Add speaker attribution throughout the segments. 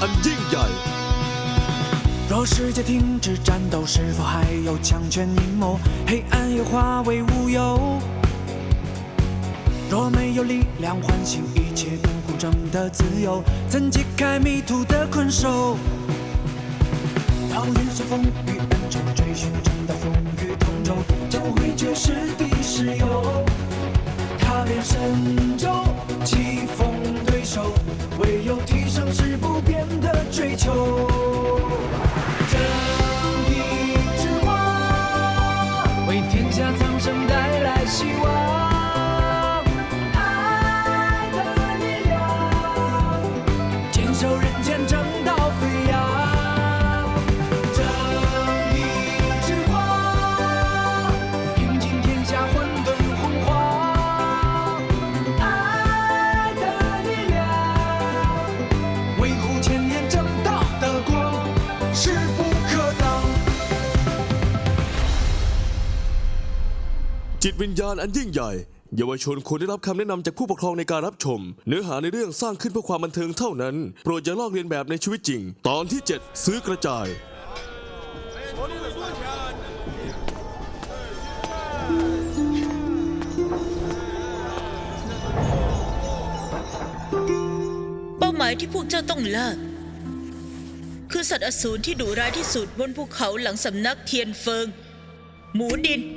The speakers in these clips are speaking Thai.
Speaker 1: อันยิ่งใหญ่
Speaker 2: 若世界停止战斗，是否还有强权阴谋？黑暗又化为乌有。若没有力量唤醒一切不公正的自由，怎解开迷途的困兽？当人生风雨恩仇，追寻正道风雨同舟，将会绝世的石油。踏遍神州，棋逢对手，唯有提升是不变的追求。正义之光，为天下苍生带来希望。爱的力量，坚守人间正道飞扬。正义之光，平尽天下混沌洪荒。爱的力量，维护千年正道的光。势不可挡。
Speaker 1: จิตวิญญาณอันยิ่งใหญ่เยาวชนควรได้รับคำแนะนำจากผู้ปกครองในการรับชมเนื้อหาในเรื่องสร้างขึ้นเพื่อความบันเทิงเท่านั้นโปรดอย่าลอกเลียนแบบในชีวิตจริงตอนที่ 7 ซื้อกระจาย
Speaker 3: เป้าหมายที่พวกเจ้าต้องล่าคือสัตว์อสูรที่ดุร้ายที่สุดบนภูเขาหลังสำนักเทียนเฟิงหมูดิน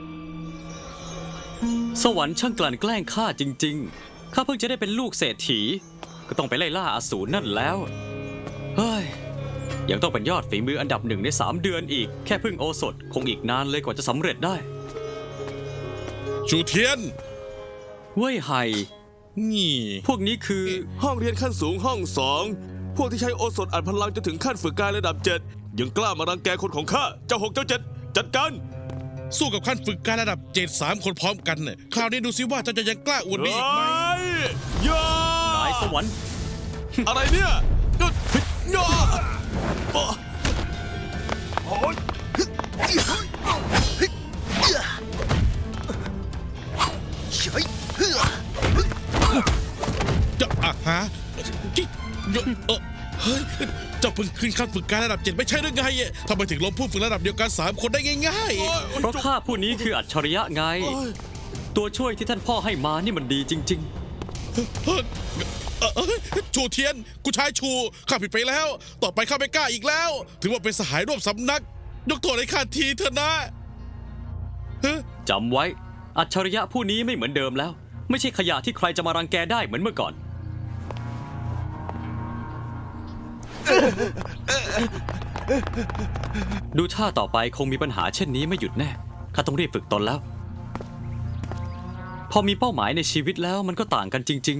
Speaker 4: สวรรค์ช่างกลั่นแกล้งข้าจริงๆข้าเพิ่งจะได้เป็นลูกเศรษฐีก็ต้องไปไล่ล่าอสูรนั่นแล้วเฮ้ยยังต้องเป็นยอดฝีมืออันดับ1ใน3 เดือนอีกแค่พึ่งโอสถคงอีกนานเลยกว่าจะสำเร็จได้
Speaker 5: ชูเทียน
Speaker 4: เว่ยไห่
Speaker 5: นี่
Speaker 4: พวกนี้คือ
Speaker 1: ห้องเรียนขั้นสูงห้อง2พวกที่ใช้โอสถอัดพลังจนถึงขั้นฝึกกายระดับ7ยังกล้ามารังแกคนของข้าเจ้า6เจ้า7จัดการ
Speaker 5: สู้กับขั้นฝึกการระดับ7 3 คนพร้อมกันเนี่ยคราวนี้ดูซิว่าเจ้าจะยังกล้าอวดดีอีกไหม
Speaker 1: ย่าก
Speaker 4: ายสวรรค์
Speaker 1: อะไรเนี่ยย่า
Speaker 5: จะฮะเฮ้ยเจ้าเพิ่งขึ้นขั้นฝึกการระดับ7ไม่ใช่หรือไงทำไมถึงล้มผู้ฝึกระดับเดียวกัน3 คนได้ง่าย
Speaker 4: ๆเพราะข้าผู้นี้คืออัจฉริยะไงตัวช่วยที่ท่านพ่อให้มานี่มันดีจริง
Speaker 5: ชูเทียนกูชายชูข้าผิดไปแล้วต่อไปข้าไม่กล้าอีกแล้วถือว่าเป็นสหายร่วมสำนักยกโทษให้ข้าทีเถอะนะ
Speaker 4: จำไว้อัจฉริยะผู้นี้ไม่เหมือนเดิมแล้วไม่ใช่ขยะที่ใครจะมารังแกได้เหมือนเมื่อก่อนดูท่าต่อไปคงมีปัญหาเช่นนี้ไม่หยุดแน่ข้าต้องรีบฝึกตนแล้วพอมีเป้าหมายในชีวิตแล้วมันก็ต่างกันจริง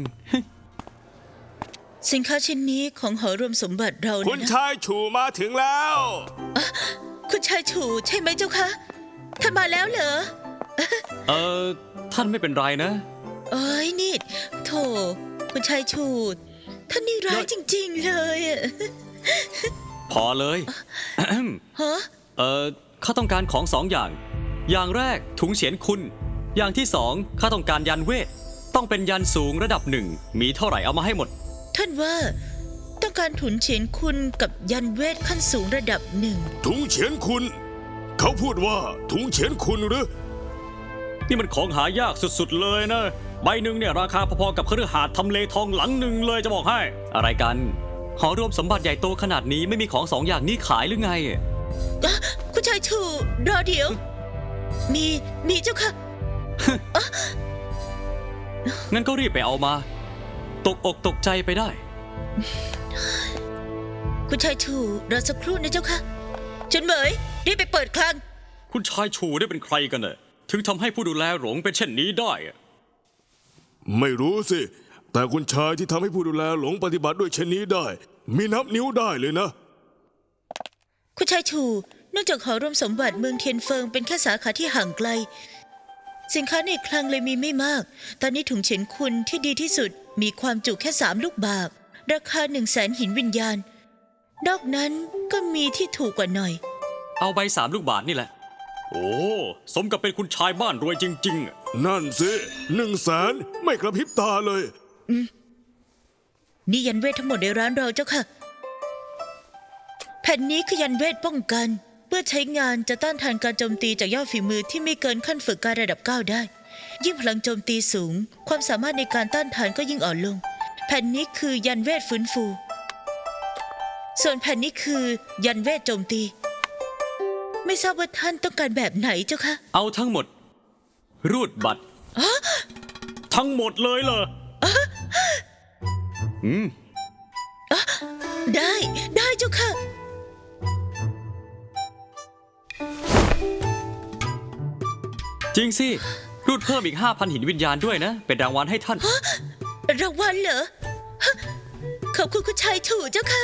Speaker 3: สินค้าชิ้นนี้ของหอรวมสมบัติเรา
Speaker 1: คุณชายฉูมาถึงแล้ว
Speaker 3: คุณชายฉูใช่ไหมเจ้าคะท่านมาแล้วเหรอ
Speaker 4: ท่านไม่เป็นไรนะ
Speaker 3: เอ้ยนี่โถคุณชายฉูท่านนี่ร้ายจริงๆเลย
Speaker 4: พอเลย
Speaker 3: ฮะ
Speaker 4: ข้าต้องการของ2 อย่างอย่างแรกถุงเฉียนคุณอย่างที่2ข้าต้องการยันเวทต้องเป็นยันสูงระดับ1มีเท่าไหร่เอามาให้หมด
Speaker 3: ท่านว่าต้องการถุงเฉียนคุณกับยันเวทขั้นสูงระดับ1
Speaker 1: ถุงเฉียนคุณเขาพูดว่าถุงเฉียนคุณหรือ
Speaker 4: นี่มันของหายากสุดๆเลยนะใบหนึ่งเนี่ยราคาพอๆกับคฤหาสน์ทำเลทองหลังหนึ่งเลยจะบอกให้อะไรกันหอรวมสมบัติใหญ่โตขนาดนี้ไม่มีของ2 อย่างนี้ขายหรือไง
Speaker 3: คุณชายชูรอเดี๋ยวมีเจ้าค่ะ
Speaker 4: งั้นก็รีบไปเอามาตกอกตกใจไปได้
Speaker 3: คุณชายชูรอสักครู่นะเจ้าค่ะจุนเหมยรีบไปเปิดคลัง
Speaker 4: คุณชายชูได้เป็นใครกันเนี่ยถึงทำให้ผู้ดูแลหลงเป็นเช่นนี้ได้
Speaker 1: ไม่รู้สิแต่คุณชายที่ทำให้ผู้ดูแลหลงปฏิบัติด้วยเช่นนี้ได้มีนับนิ้วได้เลยนะ
Speaker 3: คุณชายชูเนื่องจากหอรวมสมบัติเมืองเทียนเฟิงเป็นแค่สาขาที่ห่างไกลสินค้าในคลังเลยมีไม่มากตอนนี้ถุงเฉินคุณที่ดีที่สุดมีความจุแค่3 ลูกบากราคา100,000 หินวิญญาณนอกนั้นก็มีที่ถูกกว่าหน่อย
Speaker 4: เอาใบ3 ลูกบาทนี่แหละโอ้สมกับเป็นคุณชายบ้านรวยจริง
Speaker 1: ๆนั่นสิ100,000ไม่กระพริบตาเลย
Speaker 3: นี่ยันเวททั้งหมดในร้านเราเจ้าค่ะแผ่นนี้คือยันเวทป้องกัน เมื่อใช้งานจะต้านทานการโจมตีจากยอดฝีมือที่ไม่เกินขั้นฝึกการระดับ 9 ได้ ยิ่งพลังโจมตีสูง ความสามารถในการต้านทานก็ยิ่งอ่อนลง แผ่นนี้คือยันเวทฟื้นฟู ส่วนแผ่นนี้คือยันเวทโจมตี ไม่ทราบว่าท่านต้องการแบบไหนเจ้าคะ
Speaker 4: เอาทั้งหมด รูดบัตรทั้งหมดเลยเหรอ
Speaker 3: ได้เจ้าค่ะ
Speaker 4: จริงสิ รูดเพิ่มอีก 5,000 หินวิญญาณด้วยนะ เป็นรางวัลให้ท่าน
Speaker 3: รางวัลเหรอฮะขอบคุณคุณชายฉู่เจ้าค่ะ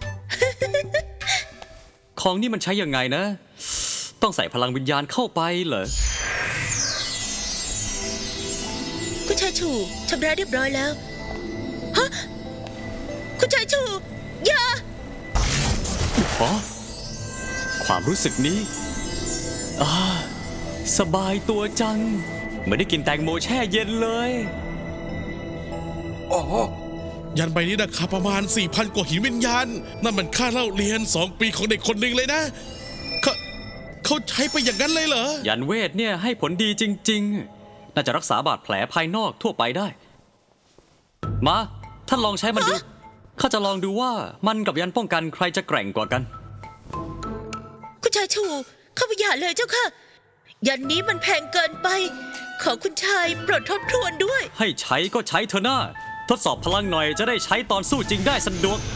Speaker 4: ของนี่มันใช้ยังไงนะ ต้องใส่พลังวิญญาณเข้าไปเหรอ
Speaker 3: คุณชายฉู่ชำระเรียบร้อยแล้วฮะคุณชายฉู่อย่า
Speaker 4: อ๋อ ความรู้สึกนี้สบายตัวจัง เหมือนได้กินแตงโมแช่เย็นเลย
Speaker 5: ยันใบนี้ราคาประมาณ 4,000 กว่าหินวิญญาณ นั่นมันค่าเล่าเรียน 2 ปีของเด็กคนหนึ่งเลยนะเขาใช้ไปอย่างนั้นเลยเหรอ
Speaker 4: ยันเวทเนี่ยให้ผลดีจริงๆ น่าจะรักษาบาดแผลภายนอกทั่วไปได้ มาท่านลองใช้มันดูข้าจะลองดูว่ามันกับยันป้องกันใครจะแกร่งกว่ากัน
Speaker 3: คุณชายฉู่เข้าไปอย่าเลยเจ้าค่ะ ยันนี้มันแพงเกินไป ขอคุณชายโปรดทบทวนด้วย
Speaker 4: ให้ใช้ก็ใช้เถอะนะทดสอบพลังหน่อยจะได้ใช้ตอนสู้จริงได้สะดวก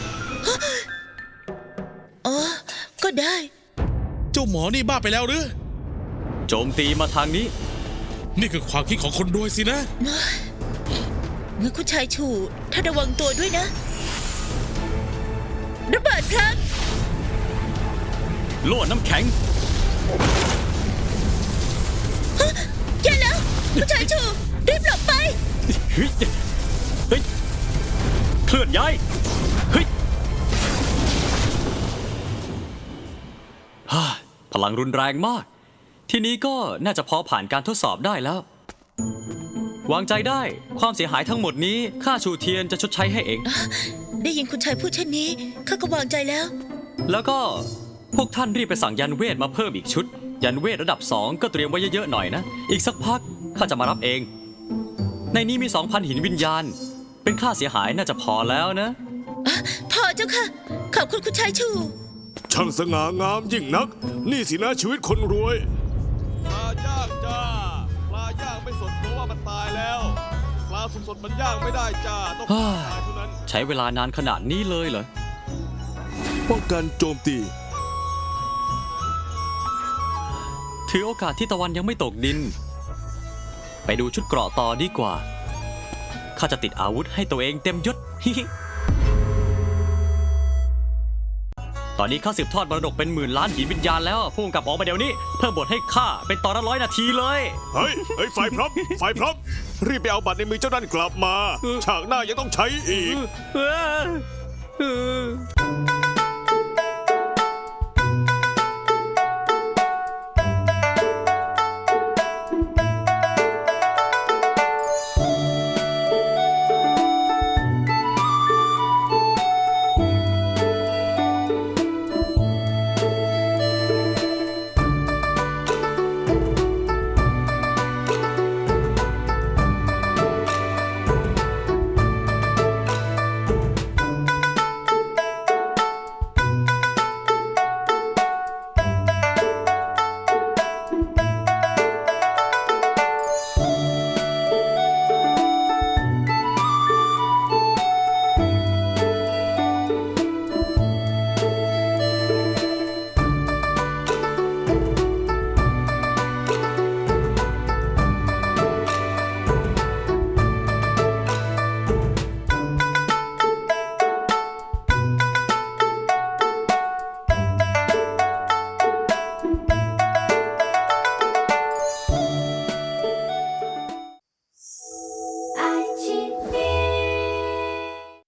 Speaker 3: อ๋อ ก็ได้
Speaker 5: เจ้าหมอนี่บ้าไปแล้วหรือ
Speaker 4: โจมตีมาทางนี้
Speaker 5: นี่คือความคิดของคนรวยสินะ
Speaker 3: งั้นคุณชายฉู่ท่านระวังตัวด้วยนะ ระเบิดพลัง
Speaker 4: โล่น้ำแข็ง
Speaker 3: แย่แล้ว คุณชายฉู่รีบหลบไป
Speaker 4: เฮ้ยเฮ้ยเคลื่อนย้ายเฮ้ยฮ่าพลังรุนแรงมาก ทีนี้ก็น่าจะพอผ่านการทดสอบได้แล้ว วางใจได้ความเสียหายทั้งหมดนี้ข้าชูเทียนจะชดใช้ให้เอง
Speaker 3: ได้ยินคุณชายพูดเช่นนี้ข้าก็วางใจแล้ว
Speaker 4: แล้วก็พวกท่านรีบไปสั่งยันเวทมาเพิ่มอีกชุด ยันเวทระดับ 2 ก็เตรียมไว้เยอะๆหน่อยนะ อีกสักพักข้าจะมารับเอง ในนี้มี 2,000 หินวิญญาณ เป็นค่าเสียหายน่าจะพอแล้วนะ
Speaker 3: พอเจ้าค่ะ ขอบคุณคุณชายฉู่
Speaker 1: ช่างสง่างามยิ่งนัก นี่สินะชีวิตคนรวย
Speaker 6: ปลาย่างจ้า ปลาย่างไม่สดเพราะว่ามันตายแล้ว ปลาสดๆมันย่างไม่ได้จ้า ต้อง
Speaker 4: ฮ่า
Speaker 6: ตายเท่านั้น
Speaker 4: ใช้เวลานานขนาดนี้เลยเหรอ
Speaker 1: ป้องกันโจมตี
Speaker 4: ถือโอกาสที่ตะวันยังไม่ตกดิน ไปดูชุดเกราะต่อดีกว่า ข้าจะติดอาวุธให้ตัวเองเต็มยศ ตอนนี้ข้าสืบทอดมรดกเป็นหมื่นล้านหินวิญญาณแล้วพุ่งกลับออกมาเดี๋ยวนี้ เพิ่มบทให้ข้าเป็นตอนละ100 นาทีเลย
Speaker 1: เฮ้ยไฟพร้อมไฟพร้อม รีบไปเอาบัตรในมือเจ้านั่นกลับมา ฉากหน้ายังต้องใช้อีก